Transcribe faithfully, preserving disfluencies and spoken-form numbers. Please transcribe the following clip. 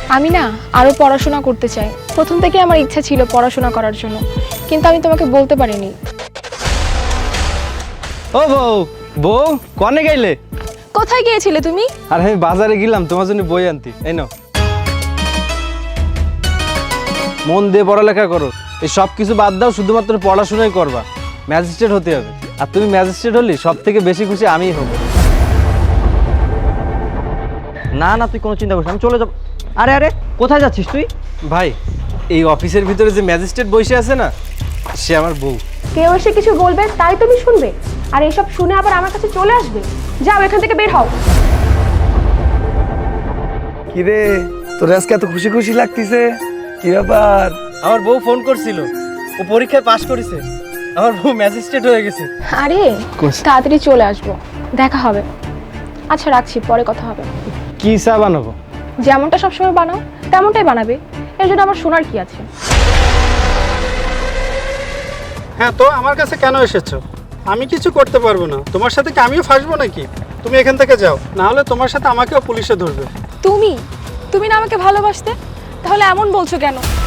আমি না আরো পড়াশোনা করতে চাই। প্রথম থেকে আমার ইচ্ছা ছিল পড়াশোনা করার জন্য, কিন্তু আমি তোমাকে বলতে পারিনি। ও বউ, বউ কনে গেলে? কোথায় গিয়েছিলে তুমি? আর আমি বাজারে গেলাম তোমার জন্য বই আনতে। এই নাও, মন দিয়ে পড়ালেখা করো। এই সব কিছু বাদ দাও, শুধুমাত্র পড়াশোনাই করবা। ম্যাজিস্ট্রেট হতে হবে, আর তুমি ম্যাজিস্ট্রেট হলে সব থেকে বেশি খুশি আমিই হব। না না, তুই কোনো চিন্তা করিস না, আমি চলে যাব। আরে আরে, কোথায় যাচ্ছিস তুই? ভাই, এই অফিসের ভিতরে যে ম্যাজিস্ট্রেট বসে আছে না, সে আমার বউ। কেউ এসে কিছু বলবে তাই তুমি শুনবে, আর এসব শুনে আবার আমার কাছে চলে আসবে? যাও এখান থেকে বের হও। কিরে, তোর আজকে এত খুশি খুশি লাগতেছে, কি ব্যাপার? আমার বউ ফোন করছিল, ও পরীক্ষায় পাশ করেছে, আমার বউ ম্যাজিস্ট্রেট হয়ে গেছে। আরে কোথায়? তাড়াতাড়ি চলে আসবো, দেখা হবে। আচ্ছা রাখছি, পরে কথা হবে। কি চা বানাবো? যেমনটা সবসময় বানাও তেমনটাই বানাবে, এর জন্য আমার শোনার কি আছে? হ্যাঁ, তো আমার কাছে কেন এসেছো? আমি কিছু করতে পারবো না, তোমার সাথে কি আমিও ফাঁসবো নাকি? তুমি এখান থেকে যাও, না হলে তোমার সাথে আমাকেও পুলিশে ধরবে। তুমি তুমি না আমাকে ভালোবাসতে, তাহলে এমন বলছো কেন?